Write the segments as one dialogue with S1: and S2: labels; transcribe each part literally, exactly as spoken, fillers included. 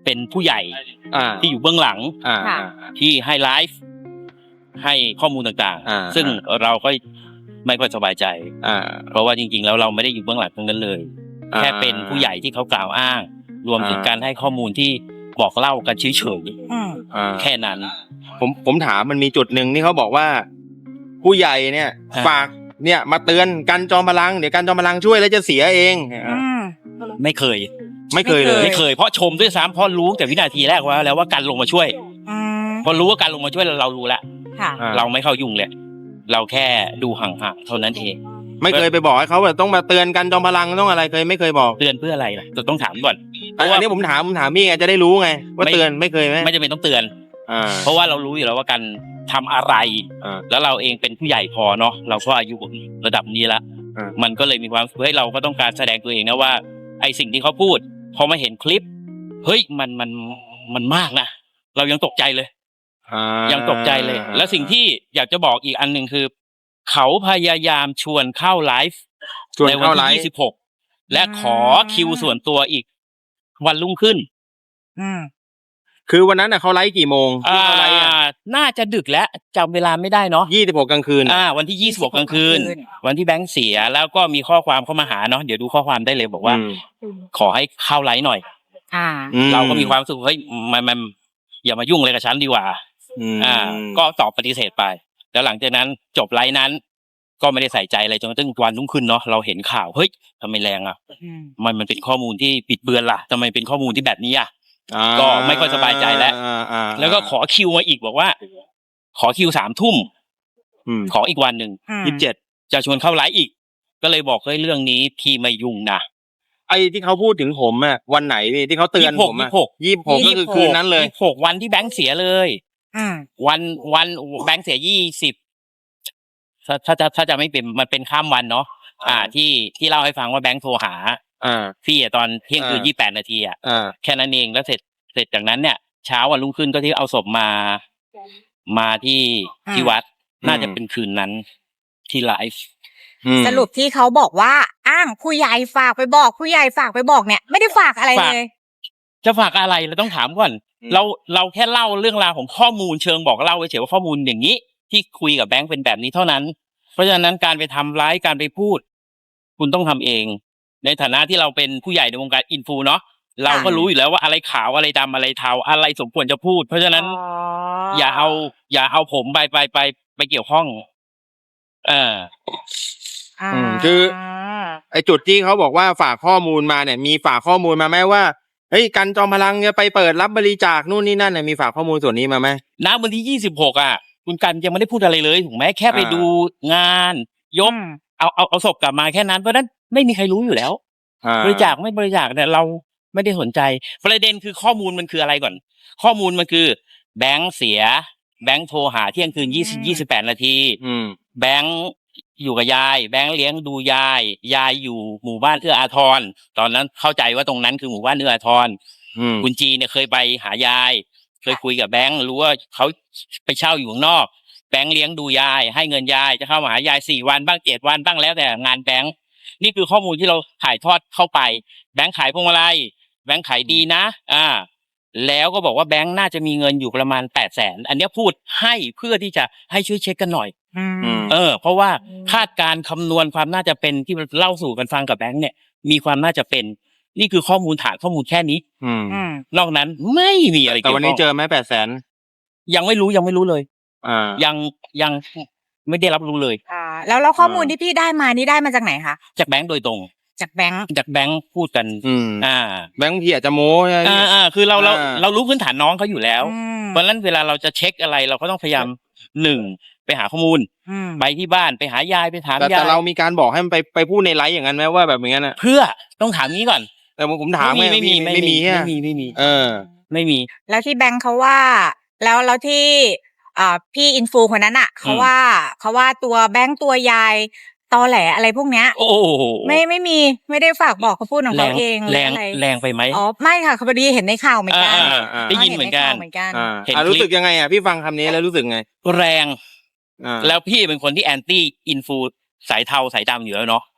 S1: เป็นผู้ใหญ่ที่อยู่เบื้องหลังที่ให้ไลฟ์ให้ข้อมูลต่างๆซึ่งเราก็ไม่ค่อยสบายใจเพราะว่าจริงๆแล้วเราไม่ได้อยู่เบื้องหลังตรงนั้นเลยแค่เป็นผู้ใหญ่ที่เขากล่าวอ้างรวมถึงการให้ข้อมูลที่บอกเล่ากันเฉยๆแค่นั้น
S2: ผมผมถามมันมีจุดหนึ่งที่เขาบอกว่าผู้ใหญ่เนี่ยฝากเนี่ยมาเตือนกันจอมพลังเดี๋ยวกันจอมพลังช่วยแล้วจะเสียเอง
S1: ไม่เคย
S2: ไม่เคยเลย
S1: ไม่เคยเพราะชมด้วยซ้ำเพราะรู้แต่วินาทีแรกว่าแล้วว่ากันลงมาช่วยพอรู้ว่ากันลงมาช่วยเรารู้แล้วเราไม่เข้ายุ่งเลยเราแค่ดูห่างๆเท่านั้นเอง
S2: ไม่เคยไปบอกให้เขาแบบต้องมาเตือนกันจอมพลังต้องอะไรเคยไม่เคยบอก
S1: เตือนเพื่ออะไรล่ะจะต้องถามก่อน
S2: เพราะว่านี้ผมถามผมถามพี่ไงจะได้รู้ไงว่าเตือนไม่เคยไหม
S1: ไม่จำเป็นต้องเตือนเพราะว่าเรารู้อยู่แล้วว่ากันทำอะไรแล้วเราเองเป็นผู้ใหญ่พอเนาะเราก็อายุระดับนี้แล้วมันก็เลยมีความเฮ้ยเราก็ต้องการแสดงตัวเองนะว่าไอสิ่งที่เขาพูดพอมาเห็นคลิปเฮ้ยมันมันมันมากนะเรายังตกใจเลยยังตกใจเลยและสิ่งที่อยากจะบอกอีกอันหนึ่งคือเขาพยายามชวนเข้าไลฟ์ในวันที่ยี่สิบหกและขอคิวส่วนตัวอีกวันรุ่งขึ้น
S2: คือวันนั้นน่ะเขาไลฟ์กี่โมง
S1: อ่าน่าจะดึกแล้วจำเวลาไม่ได้เนาะ
S2: ยี่สิบหกกลางคืน
S1: อ่าวันที่ยี่สิบหกกลางคืนวันที่แบงค์เสียแล้วก็มีข้อความเข้ามาหาเนาะเดี๋ยวดูข้อความได้เลยบอกว่าขอให้เข้าไลฟ์หน่อย
S3: อ่า
S1: เราก็มีความรู้สึกเฮ้ยมันมันอย่ามายุ่งอะไรกับฉันดีกว่าอ่าก็ตอบปฏิเสธไปแล้วหลังจากนั้นจบไลฟ์นั้นก็ไม่ได้ใส่ใจอะไรจนกระทั่งวันรุ่งขึ้นเนาะเราเห็นข่าวเฮ้ยทำไมแรงอ่ะมันมันเป็นข้อมูลที่ปิดเบือนล่ะทำไมเป็นข้อมูลที่แบบนี้อ่ะก็ไม่ค่อยสบายใจแล้วแล้วก็ขอคิวมาอีกบอกว่าขอคิวสามทุ่มขออีกวันหนึ่งยี่สิบเจ็ดจะชวนเข้าไลฟ์อีกก็เลยบอกเฮ้ยเรื่องนี้พี่ไม่ยุ่งนะ
S2: ไอ้ที่เขาพูดถึงผมอ่ะวันไหนพี่ที่เขาเตือนผมอ่ะยี่สิบหกก็คือคืนนั้นเลย
S1: ยี่สิบหกวันที่แบงค์เสียเลยวันวันแบงค์เสียยี่สิบถ้าถ้าจะถ้าจะไม่เป็นมันเป็นข้ามวันเนาะอ่าที่ที่เล่าให้ฟังว่าแบงค์โทรหา
S2: อ่า
S1: พี่อ่ะตอนเที่ยงคืนยี่สิบแปดนาทีอ่ะแค่นั้นเองแล้วเสร็จเสร็จจากนั้นเนี่ยเช้าวันรุ่งขึ้นก็ที่เอาศพมามาที่ที่วัดน่าจะเป็นคืนนั้นที่ไลฟ์
S3: สรุปที่เขาบอกว่าอ้างผู้ใหญ่ฝากไปบอกผู้ใหญ่ฝากไปบอกเนี่ยไม่ได้ฝากอะไรเลย
S1: จะฝากอะไรเราต้องถามก่อนเราเราแค่เล่าเรื่องราวของข้อมูลเชิงบอกเล่าเฉยว่าข้อมูลอย่างนี้ที่คุยกับแบงค์เป็นแบบนี้เท่านั้นเพราะฉะนั้นการไปทำร้ายการไปพูดคุณต้องทำเองในฐานะที่เราเป็นผู้ใหญ่ในวงการอินฟูเนาะเราก็รู้อยู่แล้วว่าอะไรขาวอะไรดำอะไรเทาอะไรสมควรจะพูดเพราะฉะนั้นอย่าเอาอย่าเอาผมไปไปไปไปเกี่ยวข้องเออ
S2: คือไอ้จุดที่เขาบอกว่าฝากข้อมูลมาเนี่ยมีฝากข้อมูลมาไหมว่าเฮ้ยกันจอมพลังจะไปเปิดรับบริจาคนู่นนี่นั่นเนี่ยมีฝากข้อมูลส่วนนี้มาไหม
S1: ณวันที่ยี่สิบหกอ่ะคุณกันยังไม่ได้พูดอะไรเลยถูกไหมแค่ไปดูงานยกเอาเอาเอาศพกลับมาแค่นั้นเพราะนั้นไม่มีใครรู้อยู่แล้วบริจาคไม่บริจาคเนี่ยเราไม่ได้สนใจประเด็นคือข้อมูลมันคืออะไรก่อนข้อมูลมันคือแบงค์เสียแบงค์โทรหาเที่ยงคืนยี่สิบยี่สิบแปดนาทีแบงค์อยู่กับยายแบงค์เลี้ยงดูยายยายอยู่หมู่บ้านเอื้ออาทรตอนนั้นเข้าใจว่าตรงนั้นคือหมู่บ้านเอื้ออาทรคุณจีเนี่ยเคยไปหายายเคยคุยกับแบงค์รู้ว่าเขาไปเช่าอยู่ข้างนอกแบงค์เลี้ยงดูยายให้เงินยายจะเข้ามาหายายสี่วันบ้างเจ็ดวันบ้างแล้วแต่งานแบงค์นี่คือข้อมูลที่เราถ่ายทอดเข้าไปแบงค์ขายพวงมาลัยแบงค์ขายดีนะอ่าแล้วก็บอกว่าแบงค์น่าจะมีเงินอยู่ประมาณแปดแสนอันนี้พูดให้เพื่อที่จะให้ช่วยเช็คกันหน่อยเออเพราะว่าคาดการคำนวณความน่าจะเป็นที่เล่าสู่กันฟังกับแบงค์เนี่ยมีความน่าจะเป็นนี่คือข้อมูลฐานข้อมูลแค่นี้นอกนั้นไม่มีอะไร
S2: แต่วันนี้เจอไหมแปดแสน
S1: ยังไม่รู้ยังไม่รู้เลยอ่ายังยังไม่ได้รับรู้เลย
S3: อ่าแล้วแล้วข้อมูลที่พี่ได้มานี่ได้มาจากไหนคะ
S1: จากแบงค์โดยตรง
S3: จากแบงค์
S1: จากแบงค์พูดกันอ่า
S2: แบงค์พี่อาจจะโม้
S1: อ่าอ่าคือเราเราเรารู้พื้นฐานน้องเขาอยู่แล้วเพราะฉะนั้นเวลาเราจะเช็คอะไรเราก็ต้องพยายามหนึ่งไปหาข้อมูลไปที่บ้านไปหายายไปถามยาย
S2: แต่เรามีการบอกให้มันไปไปพูดในไลฟ์อย่างนั้นไหมว่าแบบอย่างนั้นอ่ะ
S1: เพื่อต้องถามงี้ก่อน
S2: แต่ผมถาม
S1: ไม่ไม่มีไม่มีไม่มีไม่มี
S2: เออ
S1: ไม่มี
S3: แล้วที่แบงค์เขาว่าแล้วแล้วที่อ่าพี่อินฟูคนนั้นอ่ะเขาว่าเขาว่าตัวแบงค์ตัวยายตอแหลอะไรพวกเนี้ย
S1: โอ้
S3: ไม่ไม่มีไม่ได้ฝากบอกเขาพูดของเขาเอง
S1: แรงแรงไปไหม
S3: อ๋อไม่ค่ะเขาพอดีเห็นในข่าวเหมือนกัน
S1: ได้ยินเหมือนกัน
S2: เห็นรู้สึกยังไงอ่ะพี่ฟังคำนี้แล้วรู้สึกไง
S1: แรงแล้วพี่เป็นคนที่แอนตี้อินฟูสายเทาสายดำอยู่แล้วเนาะ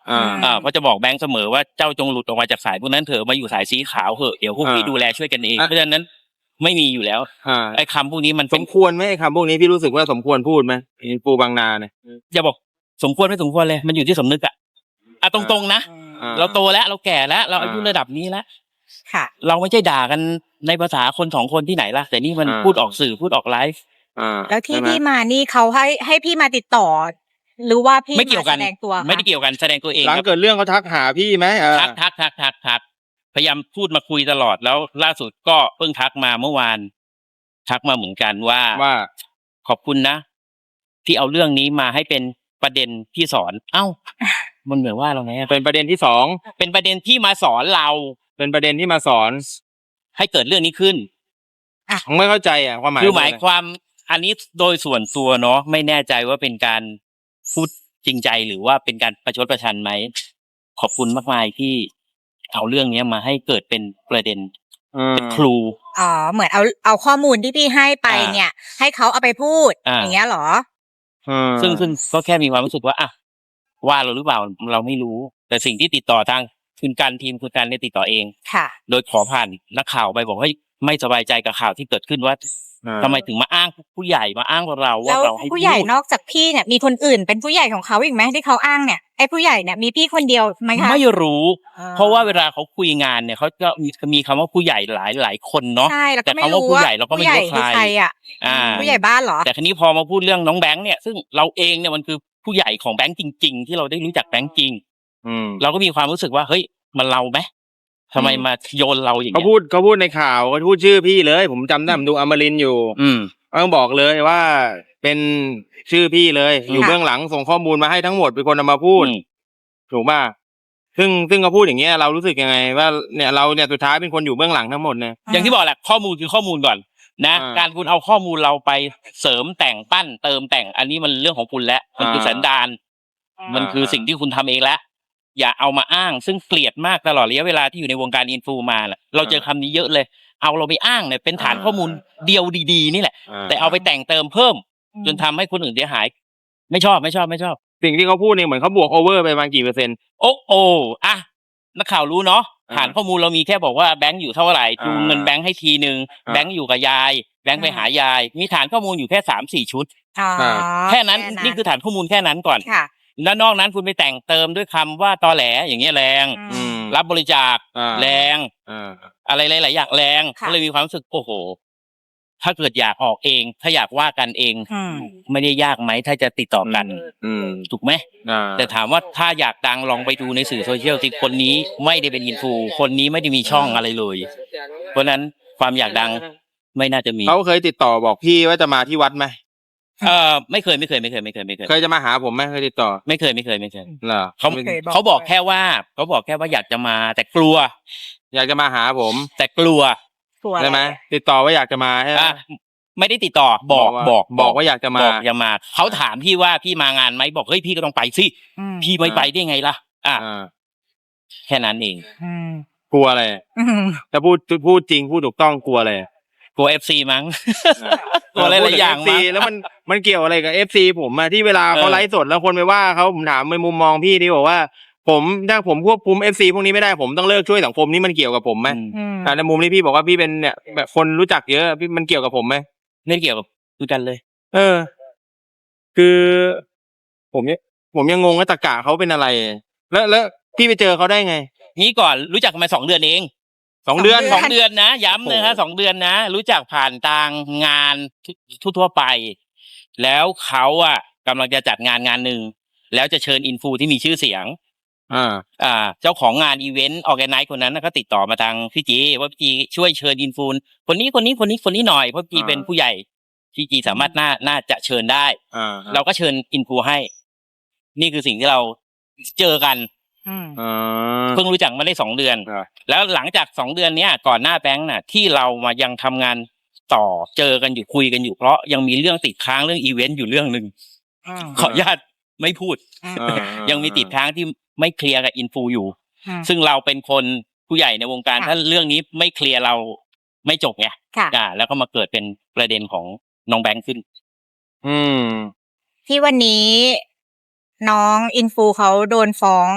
S2: อ่า
S1: อ่าเพราะจะบอกแบงค์เสมอว่าเจ้าจงหลุดออกมาจากสายพวกนั้นเถอะมาอยู่สายสีขาวเถอะเดี๋ยวพวกพี่
S2: อ่า
S1: ดูแลช่วยกันเอง
S2: อ่ะ
S1: เพราะฉะนั้นไม่มีอยู่แล้ว
S2: อ่า
S1: ไอ้คำพวกนี้มัน
S2: ส
S1: เป็น
S2: มควรไหมไอ้คำพวกนี้พี่รู้สึกว่าสมควรพูดไหมอินฟูบางนาเนี่ย
S1: อย่าบอกสมควรไม่สมควรเลยมันอยู่ที่สำนึกอะอ่ะตรงๆนะ
S2: อ่า
S1: เราโตแล้วเราแก่แล้วเรา
S2: อ่า
S1: อายุระดับนี้แล้ว
S3: ค่ะ
S1: เราไม่ใช่ด่ากันในภาษาคนสองคนที่ไหนล่ะแต่นี่มัน
S2: อ่า
S1: พูดออกสื่อพูดออกไลฟ์
S2: อ่า
S3: แล้วที่
S2: ใช่ไหม
S3: พี่มานี่เขาให้ให้พี่มาติดต่อ หรือว่าพี่
S1: ไม่เกี่ยวกัน
S3: าแสดงตัวคะ
S1: ไม่ได้เกี่ยวกันแสดงตัวเอง
S2: หลัง
S1: ครับ
S2: เกิดเรื่องเขาทักหาพี่ไหมเออ
S1: ทักทักทักทักทักพยายามพูดมาคุยตลอดแล้วล่าสุดก็เพิ่งทักมาเมื่อวาน ทักมาเหมือนกันว่า
S2: ว่า
S1: ขอบคุณนะ ที่เอาเรื่องนี้มาให้เป็นประเด็นที่สอน เอ้า มันเหมือนว่าเราไงอะ
S2: เป็นประเด็นที่สอง
S1: เป็นประเด็นที่มาสอนเรา
S2: เป็นประเด็นที่มาสอน
S1: ให้เกิดเรื่องนี้ขึ้น
S2: ผมไม่เข้าใจอ่ะความหมาย
S1: คือหมาย
S2: ะไร
S1: ความอันนี้โดยส่วนตัวเนาะไม่แน่ใจว่าเป็นการพูดจริงใจหรือว่าเป็นการประชดประชันไหมขอบคุณมากมายที่เอาเรื่องนี้มาให้เกิดเป็นประเด็น
S2: อืม
S1: เป็นครู
S3: อ๋อเหมือนเอาเอาข้อมูลที่พี่ให้ไป
S1: อ่า
S3: เนี่ย ให้เขาเอาไปพูด
S1: อ่า
S3: อย่างเงี้ยเหรอ
S2: อืม
S1: ซึ่งซึ่งก็แค่มีความรู้สึกว่าอ่ะว่าเราหรือเปล่าเราไม่รู้ แต่สิ่งที่ติดต่อทางคุณการทีมคุณการเนี่ยติดต่อเอง
S3: ค่ะ
S1: โดยขอผ่านนักข่าวไปบอกว่าไม่สบายใจกับข่าวที่เกิดขึ้นว่า
S2: อ่า
S1: ทำไมถึงมาอ้างผู้ใหญ่มาอ้างเราว่า
S3: แล้ว
S1: เราให้
S3: ผู้ใหญ่
S1: พูด
S3: นอกจากพี่เนี่ยมีคนอื่นเป็นผู้ใหญ่ของเขาอีกไหมที่เขาอ้างเนี่ยไอ้ผู้ใหญ่เนี่ยมีพี่คนเดียวไหมคะ
S1: ไม่รู้
S3: อ่
S1: เพราะว่าเวลาเขาคุยงานเนี่ยเขาก็มีมีคำว่าผู้ใหญ่หลายหลายคนเนาะ
S3: ใช่แล้ว
S1: แต่
S3: ก็ไม่
S1: คำว่า
S3: รู้
S1: ผู้
S3: ว่า
S1: ใหญ่เราก็ไม่
S3: ผู้ใหญ่
S1: รู้ว่า
S3: คือ
S1: ใคร
S3: ใครอ่ะ
S1: อ่า
S3: ผู้ใหญ่บ้านเหรอ
S1: แต่คราวนี้พอมาพูดเรื่องน้องแบงค์เนี่ยซึ่งเราเองเนี่ยมันคือผู้ใหญ่ของแบงค์จริง ๆ ที่เราได้รู้จักแบงค์จริง
S2: อืม
S1: เราก็มีความรู้สึกว่าเฮ้ยมันเราไหมทำไมมาโยนเราอย่าง
S2: เขา
S1: เงี้ย
S2: พูดเขาพูดในข่าวเขาพูดชื่อพี่เลย ผมจำได้ผมดูอมรินทร์อยู่
S1: อืม
S2: ต้องบอกเลยว่าเป็นชื่อพี่เลย อยู่
S3: ค่ะ
S2: เบื้องหลังส่งข้อมูลมาให้ทั้งหมดเป็นคนเอามาพูด
S1: อืม
S2: ถูกป่ะซึ่งซึ่งเขาพูดอย่างเงี้ยเรารู้สึกยังไง ว่าเนี่ยเราเนี่ยสุดท้ายเป็นคนอยู่เบื้องหลังทั้งหมดเนี่ย
S1: อย่างที่บอกแหละข้อมูลคือข้อมูลก่อนนะ
S2: อ่า
S1: การคุณเอาข้อมูลเราไปเสริมแต่งปั้นเติมแต่ง อันนี้มันเรื่องของคุณแล้วมันคือ
S2: อ่า
S1: สันดาน มันคือสิ่งที่คุณทำเองแล้วอย่าเอามาอ้าง ซึ่งเกลียดมากตลอดระยะเวลาที่อยู่ในวงการอินฟูมาแหละเราเจอคำนี้เยอะเลย เอาเราไปอ้างเนี่ยเป็นฐานข้อมูลเดียวดีๆนี่แหละ
S2: อ่า
S1: แต่เอาไปแต่งเติมเพิ่ม จนทำให้คนอื่นเสียหาย ไม่ชอบไม่ชอบไม่ชอบ
S2: สิ่งที่เขาพูดเนี่ยเหมือนเขาบวกโอเวอร์ไปประมาณกี่เปอร์เซ็นต์
S1: โอ้โอ้อะนักข่าวรู้เนาะ
S2: อ่า
S1: ฐานข้อมูลเรามีแค่บอกว่าแบงค์อยู่เท่าไหร่จูง
S2: อ่า
S1: เงินแบงค์ให้ทีหนึ่ง
S2: อ่า
S1: แบงค์อยู่กับยาย แบงค์ไปหายาย มีฐานข้อมูลอยู่แค่สามสี่ชุด
S3: อ๋อ
S1: แค่นั้นนี่คือฐานข้อมูลแค่นั้นก่อน
S3: ค่ะ
S1: แล้วนอกนั้นคุณไปแต่งเติมด้วยคำว่าตอแหลอย่างเงี้ยแรง
S3: อืม
S1: รับบริจาค
S2: อ่า
S1: แรง
S2: อ่า
S1: อะไรหลายๆอย่างแรง
S3: ค่ะ
S1: ก็เลยมีความรู้สึกโอ้โห ถ้าเกิดอยากออกเอง ถ้าอยากว่ากันเอง
S3: อืม
S1: ไม่ได้ยากไหมถ้าจะติดต่อกัน
S2: อืม
S1: ถูกไหม
S2: อ่า
S1: แต่ถามว่าถ้าอยากดังลองไปดูในสื่อโซเชียลสิคนนี้ไม่ได้เป็นอินฟูคนนี้ไม่ได้มีช่องอะไรเลย เพราะฉะนั้นความอยากดังไม่น่าจะมี
S2: เขาเคยติดต่อบอกพี่ว่าจะมาที่วัดไหม
S1: เออไม่เคยไม่เคยไม่เคยไม่เคยไม่เคย
S2: เคยจะมาหาผมไหมเคยติดต่อ
S1: ไม่เคยไม่เคยไม่เคย
S2: เหรอ
S1: เขา
S3: ไม่เคยบอก
S1: เขาบอกแค่ว่าเขาบอกแค่ว่าอยากจะมา แต่กลัว
S2: อยากจะมาหาผม
S1: แต่กลัว
S3: ตัว
S2: ใช่ไหมติดต่อว่าอยากจะมาใช่ไหม
S1: อ่ะไม่ได้ติดต่อบอก
S2: ว่า
S1: บอก
S2: บอกว่าอยากจะมา
S1: บอกจะมาเขาถามพี่ว่าพี่มางานไหมบอกเฮ้ยพี่ก็ต้องไปสิ
S3: อืม
S1: พี่ไม่ไปได้ไงล่ะอ่ะ
S2: อ่า
S1: แค่นั้นเอง
S3: อืม
S2: กลัวอะไร
S3: อืม
S2: ถ้าพูดพูดจริงพูดถูกต้องกลัวอะไร
S1: กลัวเอฟซีมั้ง กลัวหลายๆอย่าง
S2: พูดถึ
S1: มั้ง
S2: เอฟซีแล้วมันมันเกี่ยวอะไรกับเอฟซีผมอะที่เวลา
S1: เออ
S2: เขาไลฟ์สดแล้วคนไปว่าเขาผมถามในมุมมองพี่ที่บอกว่า ผมถ้าผมควบคุมเอฟซีพวกนี้ไม่ได้ผมต้องเลิกช่วยสังคมนี่มันเกี่ยวกับผมไหม
S1: อืม
S3: อืม
S2: อ่าในมุมที่พี่บอกว่าพี่เป็นเนี่ยแบบคนรู้จักเยอะพี่มันเกี่ยวกับผมไหม
S1: ไม่เกี่ยวกับดูกันเลย
S2: เออ คือ ผมเนี่ยผมยังงงว่าตะกะเขาเป็นอะไร แล้วแล้วพี่ไปเจอเขาได้ไง
S1: งี้ก่อนรู้จักกันมาสองเดือนเอง
S2: สองเดือน
S1: สองเดือนนะย้ำนะฮะ
S2: โอ้โห
S1: สองเดือนนะ รู้จักผ่านทางงานทั่วๆไป แล้วเขาอ่ะกำลังจะจัดงานงานหนึ่งแล้วจะเชิญอินฟูที่มีชื่อเสียง
S2: อ่า
S1: อ่า เจ้าของงานอีเวนต์ออแกไนซ์คนนั้นนะก็ติดต่อมาทางพี่จีว่าพี่จีช่วยเชิญอินฟูคนนี้คนนี้คนนี้คนนี้หน่อยเพราะพี่จี
S2: อ่า
S1: เป็นผู้ใหญ่พี่จีสามารถน่าน่าจะเชิญได้
S2: อ่า
S1: เราก็เชิญอินฟูให้ นี่คือสิ่งที่เราเจอกัน
S3: อืม
S2: อ่า
S1: เพิ่งรู้จักมาได้สองเดือน
S2: ครับ
S1: แล้วหลังจากสองเดือนเนี้ยก่อนหน้าแบงค์น่ะ ที่เรามายังทำงานต่อเจอกันอยู่คุยกันอยู่เพราะยังมีเรื่องติดค้างเรื่องอีเวนต์อยู่เรื่องหนึ่ง
S3: อืม
S1: ขออนุญาตไม่พูด
S3: อืม
S2: อ่า
S1: ยังมีติดค้างที่ไม่เคลียร์กับอินฟูอยู่
S3: อืม
S1: ซึ่งเราเป็นคนผู้ใหญ่ในวงการ
S3: ค่ะ
S1: ถ้าเรื่องนี้ไม่เคลียร์เราไม่จบไง
S3: ค่ะ
S1: อ่าแล้วก็มาเกิดเป็นประเด็นของน้องแบงค์ขึ้น
S2: อืม
S3: ที่วันนี้น้องอินฟูเขาโดนฟ้อง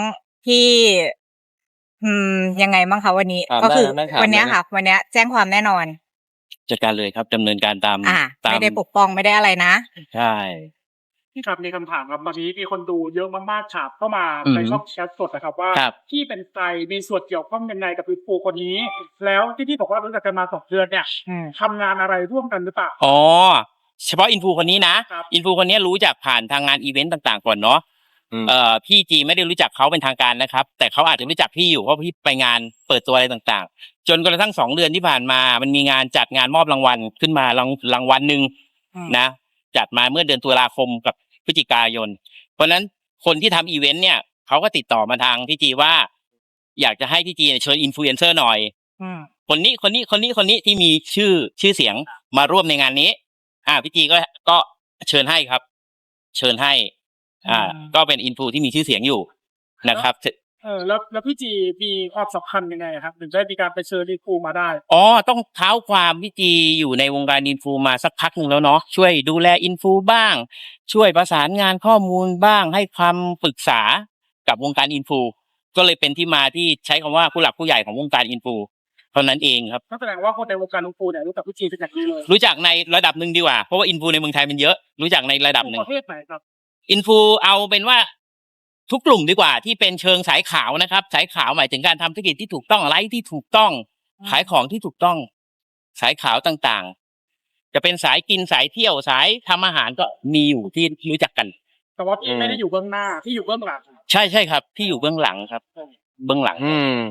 S3: ที่ อืม ยังไงบ้างคะวันนี้
S2: ถาม
S3: ก็
S2: ได้
S3: คือ
S2: นะถาม
S3: วัน
S2: เล
S3: เนี้
S2: ย
S3: ย
S2: นะ
S3: ค่ะ วันเนี้ยแจ้งความแน่นอน
S1: จัดการเลยครับ ดำเนินการตาม
S3: อ่า
S1: ตา
S3: ไม่
S1: ม
S3: ได้ปกป้อง ไม่ได้อะไรนะ
S1: ใช่
S4: พี่ครับมีคำถามครับ ตอนนี้มีคนดูเยอะมาก ๆ ถามเข้ามา
S1: อือ
S4: ใน
S1: ฮึ
S4: ช่องแชตสดอะครับว่า
S1: ครับ
S4: พี่เป็นใคร มีส่วนเกี่ยวข้องยังไงกับ Influ คนนี้ แล้วที่พี่บอกว่ารู้จักกันมา สอง เดือนเนี่ย
S3: อืม
S4: ทำงานอะไรร่วมกันหรือเปล่า?
S1: อ๋อ เฉพาะ Influ คนนี้นะ
S4: ครับ
S1: Influ คนเนี้ยรู้จักผ่านทางงานอิเวนต์ต่าง ๆ ก่อนเนาะ
S2: อืม
S1: เอ่อ พี่จีไม่ได้รู้จักเขาเป็นทางการนะครับ แต่เขาอาจจะรู้จักพี่อยู่ เพราะพี่ไปงานเปิดตัวอะไรต่าง ๆ จนกระทั่ง สอง เดือนที่ผ่านมา มันมีงานจัดงานมอบรางวัลขึ้นมา ราง รางวัลหนึ่ง
S3: อืม
S1: นะ จัดมาเมื่อเดือนตุลาคมกับพฤศจิกายน เพราะฉะนั้นคนที่ทำอิเวนต์เนี่ย เขาก็ติดต่อมาทางพี่จีว่า อยากจะให้พี่จีเนี่ยเชิญ Influencer หน่อย
S3: อืม
S1: คนนี้ คนนี้ คนนี้ คนนี้ที่มีชื่อ ชื่อเสียงมาร่วมในงานนี้ อ่า พี่จีก็ ก็เชิญให้ครับ เชิญให้ อ่า
S3: อืม
S1: ก็เป็น Influ ที่มีชื่อเสียงอยู่นะครับ ถ
S4: เออ แล้ว แล้วพี่จีมีความสัมพันธ์ยังไงอะครับ ถึงได้มีการไปเชิญ Influ มาได้?
S1: อ๋อ ต้องเท้าความพี่จีอยู่ในวงการ Influ มาสักพักหนึ่งแล้วเนาะ ช่วยดูแล Influ บ้าง ช่วยประสานงานข้อมูลบ้าง ให้คำปรึกษากับวงการ Influ ก็เลยเป็นที่มาที่ใช้คำว่าผู้หลักผู้ใหญ่ของวงการ Influ เท่านั้นเองครับ
S4: ก็แสดงว่าคนในวงการ Influ เนี่ยรู้จักพี่จีเป็นอย่างดีเลย
S1: รู้จักในระดับหนึ่งดีกว่า เพราะว่า Influ ในเมืองไทยมันเยอะ รู้จักในระดับหนึ่
S4: ป
S1: ง
S4: ระเภทไหนครับ?
S1: Influ เอาเป็นว่า ทุกกลุ่มดีกว่า ที่เป็นเชิงสายขาวนะครับ สายขาวหมายถึงการทำธุรกิจที่ถูกต้อง ไลฟ์ที่ถูกต้อง
S3: อืม
S1: ขายของที่ถูกต้อง สายขาวต่าง ๆ จะเป็นสายกิน สายเที่ยว สายทำอาหาร ก็มีอยู่ที่รู้จักกัน
S4: แต่ว่าพี่
S2: อืม
S4: ไม่ได้อยู่เบื้องหน้า พี่อยู่เบื้องหลัง
S1: ใช่ ๆ ครับ พี่อยู่เบื้องหลังครับ เบื้องหลัง
S2: อืม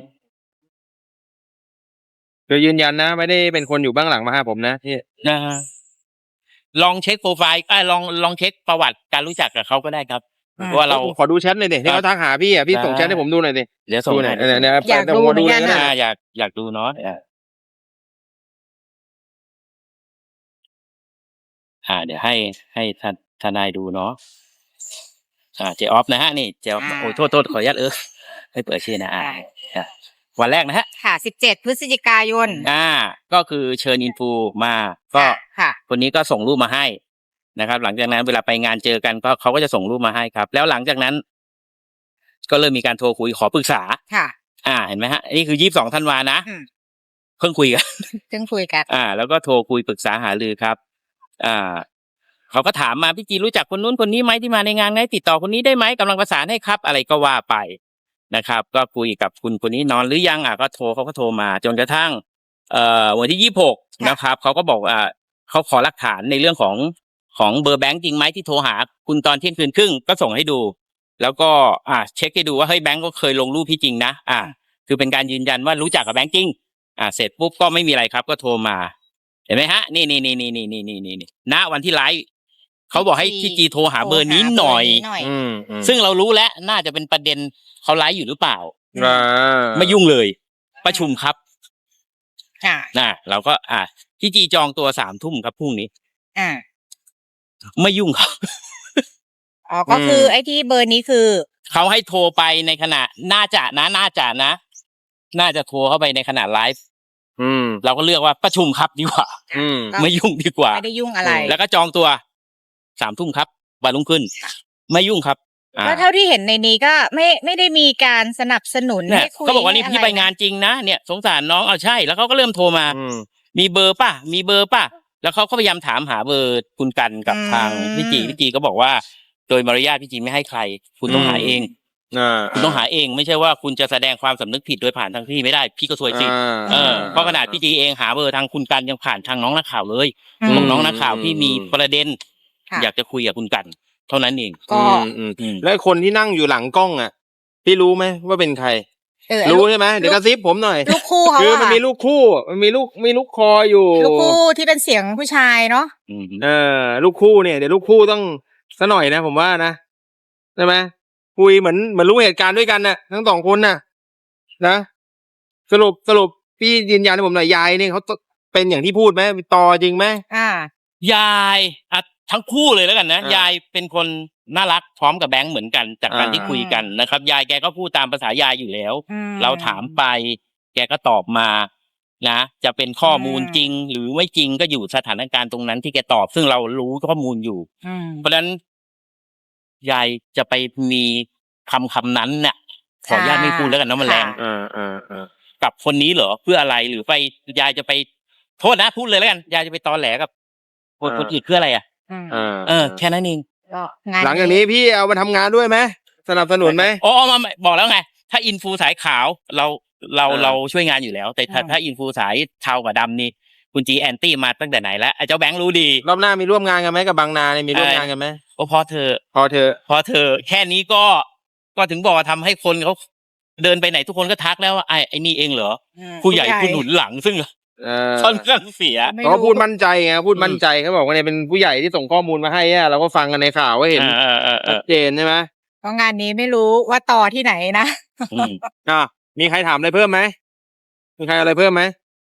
S2: คือยืนยันนะ ไม่ได้เป็นคนอยู่เบื้องหลังมาหาผมนะพี่
S1: นะฮะ ลองเช็กโพรไฟล์ เอ๊ย ลอง ลองเช็กประวัติการรู้จักกับเขาก็ได้ครับ
S3: อืม
S1: เพราะว่าเรา
S2: ขอดูแชตหน่อยดิ ที่เขาทักหาพี่อะ พี่ส่งแชตให้ผมดูหน่อยสิ
S1: เดี๋ยวส่ง
S2: ดูหน่
S1: ให้
S2: อย เนี่ย ๆ
S3: อยาก
S2: เดี๋ยว
S3: ดู
S2: ผม
S3: เหมื
S2: ดู
S3: อน
S2: เล
S3: กั
S2: ย
S3: น
S2: ก็ได้
S3: น่ะ
S1: อา อยาก อยากดูเนาะ อา อ่า เดี๋ยวให้ ให้ทน ทนายดูเนาะ อ่า เจ๊อ๊อฟนะครับ นี่ เจ๊อ๊อฟ
S3: อา
S1: โอ้ โทษ ๆ ขออนุญาต เออ ไม่เปิดชื่อนะ อา
S3: ได้
S1: อ่า วันแรกนะครับ
S3: ค่ะ สิบเจ็ด พฤศจิกายน
S1: อา ก็คือเชิญ Influ มา ก็
S3: ค่ะ ค่ะ
S1: คนนี้ก็ส่งรูปมาให้นะครับ หลังจากนั้นเวลาไปงานเจอกัน ก็ เขาก็จะส่งรูปมาให้ครับ แล้วหลังจากนั้น ก็เริ่มมีการโทรคุยขอปรึกษา
S3: ค่ะ
S1: อา เห็นไหมครับ นี่คือ ยี่สิบสอง ธันวานะ
S3: อืม
S1: เพิ่งคุย กัน
S3: เพิ่งคุยกัน
S1: อ่า แล้วก็โทรคุยปรึกษาหารือครับ อ่า เขาก็ถามมา พี่จีรู้จักคนนู้นคนนี้ไหมที่มาในงานไหม? ติดต่อคนนี้ได้ไหม? กำลังประสานให้ครับ อะไรก็ว่าไปนะครับ ก็คุยกับคุณคนนี้นอนหรือยัง? อ่า ก็โทร เขาก็โทรมาจนกระทั่ง เอ่อ วันที่ ยี่สิบหก
S3: ค่ะ
S1: นะครับ เขาก็บอก อ่า เขาขอหลักฐานในเรื่องของ ของเบอร์แบงค์จริงไหมที่โทรหาคุณตอนเที่ยงคืนครึ่ง ก็ส่งให้ดู แล้วก็ อ่า เช็กให้ดูว่า เฮ้ย แบงค์ก็เคยลงรูปพี่จริงนะ อ่า คือเป็นการยืนยันว่ารู้จักกับแบงค์จริง อ่า เสร็จปุ๊บก็ไม่มีอะไรครับ ก็โทรมา เห็นไหมครับ นี่ ๆ ๆ ๆ ๆ ๆ ณ วันที่ไลฟ์ เขาบอกให้พี่จีโทรหาเบอร์นี้หน่อย
S3: โทรหาเบอร์นี้หน่อย
S2: อืม อืม
S1: ซึ่งเรารู้แล้ว น่าจะเป็นประเด็น เขาไลฟ์อยู่หรือเปล่า?
S2: อา
S1: ไม่ยุ่งเลย ประชุมครับ
S3: ค่ะ
S1: น่ะ เราก็ อ่า พี่จีจองตัว สาม ทุ่มครับพรุ่งนี้
S3: อา
S1: ไม่ยุ่ง ครับ
S3: อ๋อ ก็คือ
S2: อืม
S3: ไอ้ที่เบอร์นี้คือ
S1: เขาให้โทรไปในขณะ น่าจะนะ น่าจะนะ น่าจะโทรเข้าไปในขณะไลฟ์
S2: อืม
S1: เราก็เลือกว่าประชุมครับดีกว่า
S2: อืม
S3: ก็
S1: ไม่ยุ่งดีกว่า
S3: ไม่ได้ยุ่งอะไร
S1: แล้วก็จองตัว สาม ทุ่มครับ วันรุ่งขึ้น ไม่ยุ่งครับ อา
S3: ก็เท่าที่เห็นในนี้ก็ไม่ ไม่ได้มีการสนับสนุน
S1: เนี่
S3: ให้
S1: ย
S3: คุย
S1: เขาบอกว่า
S3: ให้
S1: นี่
S3: อะ
S1: พี่
S3: ไร
S1: ไป
S3: นะ
S1: งานจริงนะ เนี่ยสงสารน้อง อ้าว ใช่ แล้วเขาก็เริ่มโทรมา
S2: อืม
S1: มีเบอร์เปล่า? มีเบอร์เปล่า? แล้วเขาก็พยายามถามหาเบอร์คุณกันกับ
S3: อืม
S1: ทางพี่จี พี่จีก็บอกว่า โดยมารยาทพี่จีไม่ให้ใคร คุณต้องหาเอง
S2: อา
S1: คุณต้องหาเอง ไม่ใช่ว่าคุณจะแสดงความสำนึกผิดโดยผ่านทางพี่ไม่ได้ พี่ก็ซวยสิ
S2: อา
S1: เออ เพราะขนาดพี่จีเองหาเบอร์ทางคุณกันยังผ่านทางน้องนักข่าวเลย
S3: อื
S1: บอ
S3: ม
S1: กน้องนักข่าวพี่มีประเด็น
S3: ค่ะ
S1: อยากจะคุยกับคุณกัน เท่านั้นเอง
S3: ก็
S2: อืม อืม
S1: อืม
S2: แล้วคนที่นั่งอยู่หลังกล้องอะ พี่รู้ไหมว่าเป็นใคร?
S3: เออ ไอ้
S2: รู
S3: ลู
S2: ้
S3: ก
S2: ใช่ไหม? เดี๋ยว
S3: ลู
S2: ก
S3: ก
S2: ระซิบผมหน่อย
S3: ลูกคู่เขา
S2: คือ
S3: อะ
S2: มัน
S3: ค่ะ
S2: มีลูกคู่ มันมีลูก มีลูกคออยู่
S3: ลูกคู่ที่เป็นเสียงผู้ชายเนาะ
S1: อือฮึ
S2: เออ ลูกคู่เนี่ย เดี๋ยวลูกคู่ต้องสักหน่อยนะผมว่านะ ใช่ไหม? คุยเหมือน เหมือนรู้เหตุการณ์ด้วยกันน่ะ ทั้ง สอง คนน่ะ นะ สรุป สรุปพี่ยืนยันให้ผมหน่อย ยายเนี่ยเขา ต เป็นอย่างที่พูดไหม? มีตอจริงไหม?
S3: อา
S1: ยาย อะ ทั้งคู่เลยแล้วกันนะ
S2: อา
S1: ยายเป็นคนน่ารักพร้อมกับแบงค์เหมือนกัน จากการ
S2: อา
S1: ที่คุยกันนะครับ ยายแกก็พูดตามภาษายายอยู่แล้ว
S3: อืม
S1: เราถามไป แกก็ตอบมานะ จะเป็นข้อมูล
S3: อืม
S1: จริงหรือไม่จริง ก็อยู่สถานการณ์ตรงนั้นที่แกตอบ ซึ่งเรารู้ข้อมูลอยู่
S3: อืม
S1: เพราะฉะนั้น ยายจะไปมีคำคำนั้นน่ะขออนุญาตไม่พูดแล้วกันเนาะมันแรง
S2: เออเออเออ
S1: กับคนนี้เหรอเพื่ออะไรหรือไปยายจะไปโทษนะพูดเลยแล้วกันยายจะไปตอแหลกับคน
S2: อ่า
S1: คนอื่นเพื่ออะไรอ่ะ
S3: อืม
S2: เออ
S1: เออแค่นั้นเอง
S3: ก็งาน
S2: หลังจากนี้พี่เอามาทำงานด้วยไหมสนับสนุนไหม
S1: อ๋อมามาบอกแล้วไง ถ้าอินฟูสายขาวเราเรา
S2: อ่า
S1: เราช่วยงานอยู่แล้ว แต่ถ้าถ้าอินฟูสายเทากับดำนี่คุณจีแอนตี้มาตั้งแต่ไหนแล้วไอ้เจ้าแบงค์รู้ดี
S2: รอบหน้ามีร่วมงานกันไหมกับบางนาเนี่ยมีร่วมงานกันไหม
S1: โอ้พอเธอ
S2: พอเธอ
S1: พอเธอแค่นี้ก็ก็ถึงบอกว่าทำให้คนเขาเดินไปไหนทุกคนก็ทักแล้วว่าไอ้ไอ้นี่เองเหรอ
S3: อืม
S1: ผู้ใหญ่ผู้หนุนหลังซึ่ง
S2: เออ
S1: ค่อนข้างเสีย
S3: ไม่
S2: เขา
S3: รู้
S2: พูดมั่นใจไงพูดมั่นใจเขาบอกว่าเนี่ยเป็นผู้ใหญ่ที่ส่งข้อมูลมาให้อะเราก็ฟังกันในข่าวว่าเห็น
S1: เออเออเอ
S2: ชั
S1: อ
S2: ดเจนใช่ไหม
S3: เพราะงานนี้ไม่รู้ว่าต่อที่ไหนนะ
S1: อืม
S2: อ่ะมีใครถามอะไรเพิ่มไหมมีใครอะไรเพิ่มไหม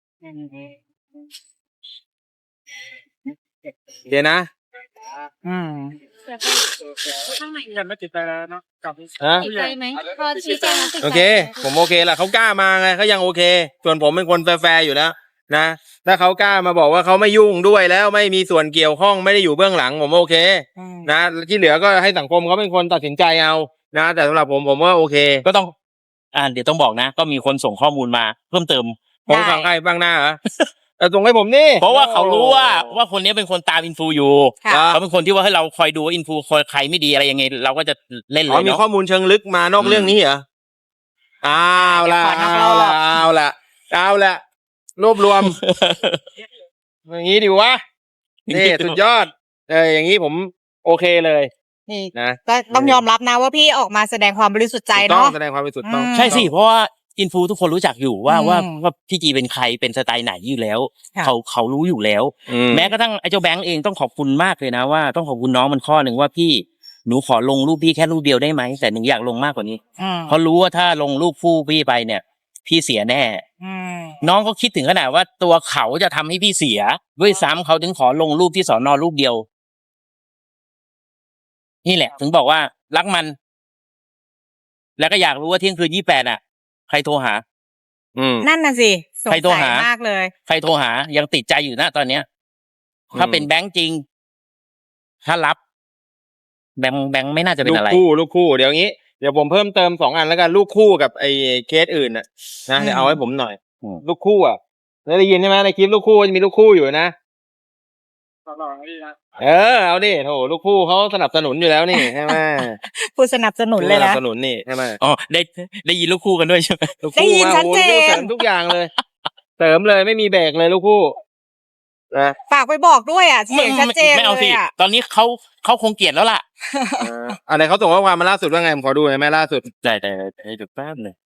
S2: โอเคนะ
S3: อืม
S4: ข้างในกันไม่ติดใจแล้วเนาะกับ
S2: ฮะ
S5: ติดใจไหมพอชี้แจงแล้วติดใจ
S2: โอเค ผมโอเคแหละเขากล้ามาไงเขายังโอเค ส่วนผมเป็นคนแฟร์ๆอยู่แล้วนะถ้าเขากล้ามาบอกว่าเขาไม่ยุ่งด้วยแล้วไม่มีส่วนเกี่ยวข้องไม่ได้อยู่เบื้องหลังผมโอเค
S3: อืม
S2: นะที่เหลือก็ให้สังคมเขาเป็นคนตัดสินใจเอานะแต่สำหรับผมผมว่าโอเค
S1: ก็ต้อง อ่าเดี๋ยวต้องบอกนะ ก็มีคนส่งข้อมูลมาเพิ่มเติม
S2: ผมฟังใครบ้างหน้าเหรอ แต่ส่งให้ผมนี่
S1: เพราะว่าเขารู้ว่าว่าคนนี้เป็นคนตามอินฟูอยู่
S3: ค่ะ
S1: เขาเป็นคนที่ว่าให้เราคอยดูว่าอินฟูคอยใครไม่ดีอะไรยังไง เราก็จะเล่นเล
S2: อ๋อย มี
S1: เนาะ
S2: ข้อมูลเชิงลึกมานอกเรื่องนี้เหรออ้าวละ
S3: เดี๋ยวขอนอกร
S2: เอา
S3: อบ
S2: ละเอาละเอาละรวบรวม อย่างนี้ดิวะนี่สุดยอดเอออย่างนี้ผมโอเคเลย
S3: นี่
S2: นะ
S3: ก็ต้องยอมรับนะว่าพี่ออกมาแสดงความบริสุทธิ์ใจ
S2: ถูกต้อง
S3: เนาะ
S2: แสดงความบริสุทธิ์ต้อง
S3: อืม
S1: ใช่สิเพราะว่าอินฟูทุกคนรู้จักอยู่ว่า
S3: อืม
S1: ว่าว่าพี่จีเป็นใครเป็นสไตล์ไหนอยู่แล้ว
S3: ค่ะ
S1: เขาเขารู้อยู่แล้ว
S2: อืม
S1: แม้กระทั่งไอ้เจ้าแบงค์เองต้องขอบคุณมากเลยนะว่าต้องขอบคุณน้องมันข้อหนึ่งว่าพี่หนูขอลงรูปพี่แค่รูปเดียวได้ไหมแต่หนึ่งอยากลงมากกว่านี้
S3: อืม
S1: เพราะรู้ว่าถ้าลงรูปคู่พี่ไปเนี่ย พี่เสียแน่
S3: อืม
S1: น้องเขาคิดถึงขนาดว่าตัวเขาจะทำให้พี่เสีย ด้วยซ้ำเขาถึงขอลงรูปที่สอนอรูปเดียว นี่แหละ ถึงบอกว่ารักมัน แล้วก็อยากรู้ว่าเที่ยงคืนยี่แปดอ่ะ ใครโทรหา
S2: อืม
S3: นั่นน่ะสิสง
S1: ใครโทร
S3: สัย
S1: หาม
S3: มากเลย
S1: ใครโทรหา ยังติดใจอยู่นะตอนเนี้ย ถ้าเป็นแบงค์จริง ถ้ารับ แบงค์แบงค์ไม่น่าจะเป็น
S2: ลูก
S1: อะไร
S2: คู่ลูกคู่เดี๋ยวงี้เดี๋ยวผมเพิ่มเติมสองอันแล้วกันลูกคู่กับไอ้เคสอื่นน่ะนะเดี๋ยวเอาให้ผมหน่อย
S1: อืม
S2: ลูกคู่อ่ะได้ยินใช่ไหมในคลิปลูกคู่จะมีลูกคู่อยู่นะ
S4: ตลอดนี่นะ
S2: เออเอาดิโถลูกคู่เขาสนับสนุนอยู่แล้วนี่ใช่ไหม
S3: ผู้สนับสนุนเลย
S2: สนั
S3: นะ
S2: บสนุนนี่ใช่ไหม
S1: อ๋อได้ได้ยินลูกคู่กันด้วยใช่ไหม
S2: ลูก
S3: ได้
S2: คู่
S3: ยิน
S2: มา
S3: ชัด
S2: โอ้
S3: เจ
S2: โห
S3: น
S2: เสริมทุกอย่างเลย เสริมเลยไม่มีเบรกเลยลูกคู่นะ
S3: ฝากไปบอกด้วยอ่ะเสียงชัดเจน
S1: ไม่เอา
S3: เล
S1: สิ
S3: ยอ่ะ
S1: ตอนนี้เขาเขาคงเกลียดแล้วล่ะ
S2: เอออะไรเขาส่งข้อความมาล่าสุดว่าไงผมขอดูหน่อยไหมล่าสุด
S1: ได้ได้ได้เดี๋ยวแป๊บหนึง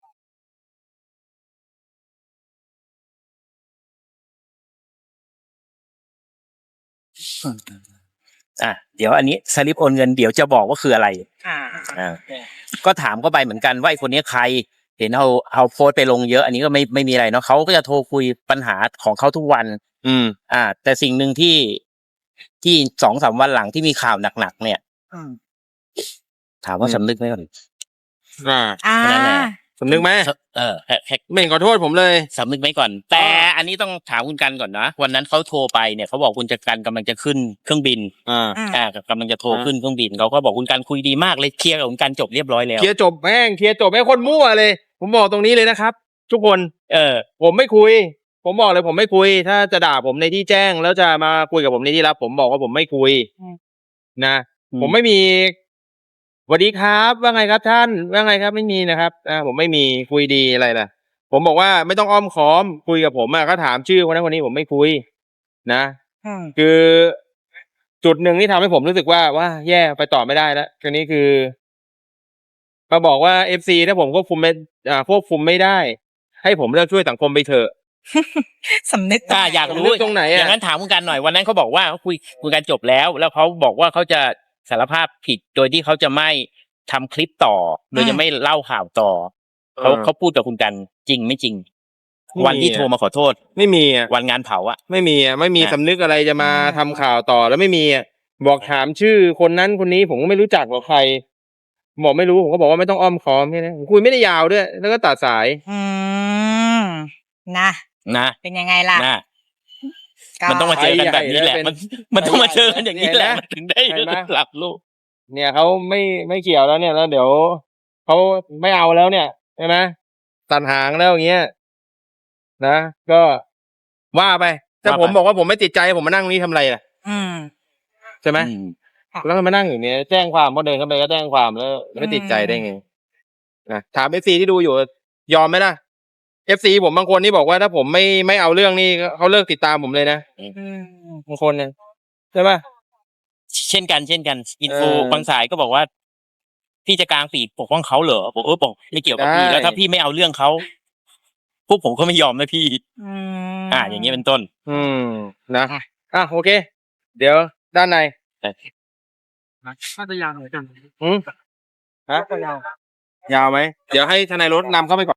S1: อ่ะเดี๋ยวอันนี้สลิปโอนเงินเดี๋ยวจะบอกว่าคืออะไร
S3: อ่า
S1: อ่าก็ถามก็ไปเหมือนกันว่าไอ้คนนี้ใคร เห็นเอาเอาโพสต์ไปลงเยอะ อันนี้ก็ไม่ไม่มีอะไรเนาะเขาก็จะโทรคุยปัญหาของเขาทุกวัน
S2: อืม
S1: อ่า แต่สิ่งหนึ่งที่ที่สองสามวันหลังที่มีข่าวหนักๆเนี่ย
S3: อืม
S1: ถามว่า
S2: อืม
S1: สำนึกไหมก่อน
S2: อ่า
S3: อ่า
S1: นั่นแหละ
S2: สำนึกไหม
S1: เออแค่แค่
S2: ไม่เห็นขอโทษผมเลย
S1: สำนึกไหมก่อน แต่อันนี้ต้องถามคุณกันก่อนนะวันนั้นเขาโทรไปเนี่ยเขาบอกคุณจักรันกำลังจะขึ้นเครื่องบิน
S2: อ่า
S3: อืม
S1: อ่ากำลังจะโทร
S2: อ่า
S1: ขึ้นเครื่องบินเขาก็บอกคุณกันคุยดีมากเลยเคลียร์กับคุณกันจบเรียบร้อยแล้ว
S2: เคลียร์จบแม่งเคลียร์จบแม่งคนมั่วเลย ผมบอกตรงนี้เลยนะครับ ทุกคน
S1: เออ
S2: ผมไม่คุย ผมบอกเลยผมไม่คุย ถ้าจะด่าผมในที่แจ้ง แล้วจะมาคุยกับผมในที่ลับ ผมบอกว่าผมไม่คุย
S3: อืม
S2: นะ
S1: อืม
S2: ผมไม่มีสวัสดีครับ ว่าไงครับท่านว่าไงครับไม่มีนะครับอ่าผมไม่มีคุยดีอะไรล่ะ ผมบอกว่าไม่ต้องอ้อมค้อมคุยกับผมอะก็ถามชื่อคนนั้นคนนี้ผมไม่คุย นะ
S3: อืม
S2: คือจุดหนึ่งที่ทำให้ผมรู้สึกว่าว่าแย่ไปต่อไม่ได้แล้วทีนี้คือมาบอกว่าเอฟซีถ้าผมควบคุมไม่อ่าควบคุมไม่ได้ ให้ผมเลิกช่วยสังคมไปเถอะ
S3: สำนึก
S1: อ่าอยากรู้
S2: เรื่องตรงไหนอะ
S1: อย่างนั้นถามคุณกันหน่อยวันนั้นเขาบอกว่าเขาคุยคุยกันจบแล้ว แล้วเขาบอกว่าเขาจะสารภาพผิดโดยที่เขาจะไม่ทำคลิปต่อ โดยจะไม่เล่าข่าวต่อเขาเขาพูดกับคุณกันจริงไม่จริง วันที่โทรมาขอโทษ
S2: ไม่มีอ่ะ
S1: วันงานเผาอะ
S2: ไม่มีอ่ะไม่มี
S1: อ่ะ
S2: สำนึกอะไรจะมาทำข่าวต่อแล้วไม่มีอ่ะบอกถามชื่อคนนั้นคนนี้ผมก็ไม่รู้จักหรอกใครบอกไม่รู้ผมก็บอกว่าไม่ต้องอ้อมค้อมแค่นั้นผมคุยไม่ได้ยาวด้วย แล้วก็ตัดสาย
S3: อืมนะ
S1: นะ
S3: เป็นยังไงล่ะ
S1: นะ
S3: ก็
S1: มันต้องมาเจอกันแบบนี้แหละ
S2: ใครใหญ่
S1: มันมันต้องมาเจอกันอย่างนี้แหละ
S2: เห็นไหม
S1: มันถึงได้
S2: เห็นไหม
S1: หลับลูก
S2: เนี่ยเขาไม่ไม่เกี่ยวแล้วเนี่ยแล้วเดี๋ยวเขาไม่เอาแล้วเนี่ยใช่ไหมตัดหางแล้วอย่างเงี้ยนะก็ว่าไปแต่ผมบอกว่าผมไม่ติดใจผมมานั่งตรงนี้ทำอะไรล่ะ
S3: อืม
S2: ใช่ไหม
S1: อืม
S2: แล้วมานั่งอยู่เนี่ยแจ้งความพอเดินเข้าไปก็แจ้งความแล้วไม่ติดใจได้ไงนะถามเอฟซีที่ดูอยู่ยอมไหมล่ะเอฟซีผมบางคนนี่บอกว่าถ้าผมไม่ไม่เอาเรื่องนี่เขาเลิกติดตามผมเลยนะ
S3: อืม
S2: บางคนเนี่ยใช่ปะ
S1: เช่นกันเช่นกันอินฟู
S2: เออ
S1: บางสายก็บอกว่า พี่จะกลางปีกปกป้องเขาเหรอบอกเออบอกไม่เกี่ยวกับพี่
S2: ได้
S1: แล้วถ้าพี่ไม่เอาเรื่องเขาพวกผมก็ไม่ยอมนะพี่
S3: อืม
S1: อ่า อย่างนี้เป็นต้น
S2: อืมนะอ่ะโอเค เดี๋ยวด้านใน
S4: น่าจะยาวเหมือนกัน
S2: อืมฮะยาวไหมเดี๋ยวให้ทนายรถนำเข้าไปก่อน